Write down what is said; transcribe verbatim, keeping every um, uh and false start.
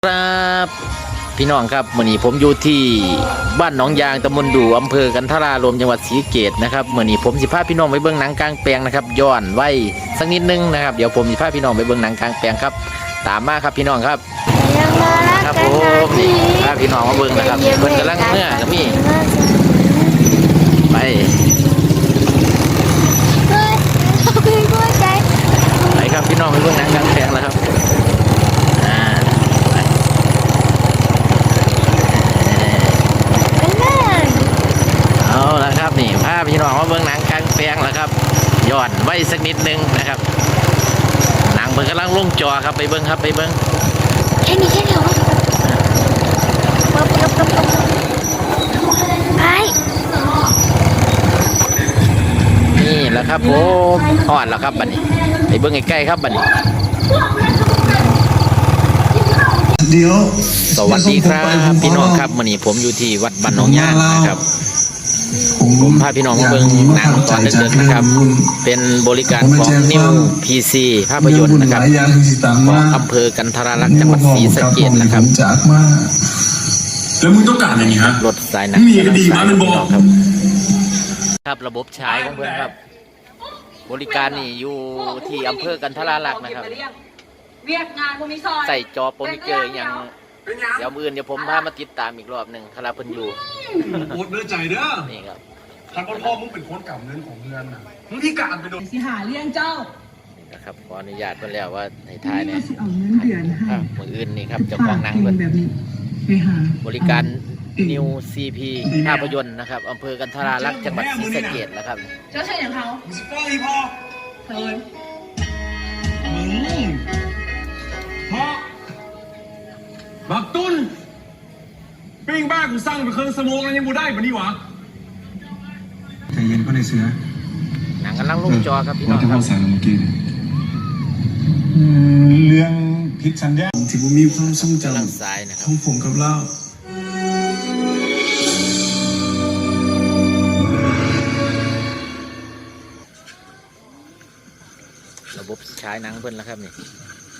ครับพี่น้องครับวันนี้ผมอยู่ที่บ้านหนองยางตำบลดูอำเภอกันทรารวมจังหวัดศรีสะเกษนะครับวันนี้ผมสิพาพี่น้องไปเบิ่งหนังกลางแปลงนะครับย้อนไว้สักนิดนึงนะครับเดี๋ยวผมสิพาพี่น้องไปเบิ่งหนังกลางแปลงครับตามมาครับพี่น้องครับครับผมนี่พาพี่น้องมาเบิ่งนะครับเพิ่นกำลังเมื่อกับมี่ไปไปครับพี่น้องไปเบิ่งหนังกลางแปลงแล้วครับเอาละครับนี่พาพี่น้องมาเบิ่งหนังกลางแปลงแล้วครับย้อนไว้สักนิดนึงนะครับหนังเพิ่งกำลังลงจอครับไปเบิ่งครับไปเบิ่งแค่นี้แค่นี้เหรอไปนี่แหละครับผมอ่อนแล้วครับบัดนี้ไปเบิ่งใกล้ๆครับบัดนี้เดี๋ยวสวัสดีครับพี่น้องครับวันนี้ผมอยู่ที่วัดบ้านหนองยางนะครับผมพาพี่น้องมาเบิ่งหนังตอนดึกๆนะครับเป็นบริการของนิวพีซีภาพยนตร์นะครับของอำเภอกันทราลักษณ์จังหวัดศรีสะเกษนะครับแล้วมึงต้องการอย่างนี้ฮะรถสายหนังมีก็ดีมามันบอกครับครับระบบฉายของเพื่อนครับบริการนี่อยู่ที่อำเภอกันทราลักษณ์นะครับเวียกงานพวกนี้ซอยใส่จอโปรนิเจอร์อย่างเดี๋ยวมือเดี๋ยวผมพามาติดตามอีกรอบหนึ่งคาราพันยูโคตรเนื้อใจเด้อนี่ครับทางพ่อมึงเป็นคนกำเงินของเงินน่ะมึงที่การไปโดนสิหาเลี้ยงเจ้านี่นะครับขออนุญาตเพื่อนแล้วว่าในท้ายเนี่ยเอาเงินเดือนให้มืออื่นนี่ครับเจ้าของหนังเพื่อนบริการนิวซีพีภาพยนตร์นะครับอำเภอกันทราลักษณ์จังหวัดศรีสะเกษนะครับเจ้าใช่อย่างเขามึงสิฟ้องอีพ่อเฮ้ยมึงพ่อบักตุ้นปิ้งบ้ากูสั่งไปเครื่องสมองแล้วยังบูได้ปะนี่หวะใจเย็นก็ได้เสือหนังกำลังลงจอครับพี่น้องครับเรื่องพิษสัญญาที่ผมมีความทรงจำของผมกับเล่าระบบฉายหนังเพิ่นแล้วครับนี่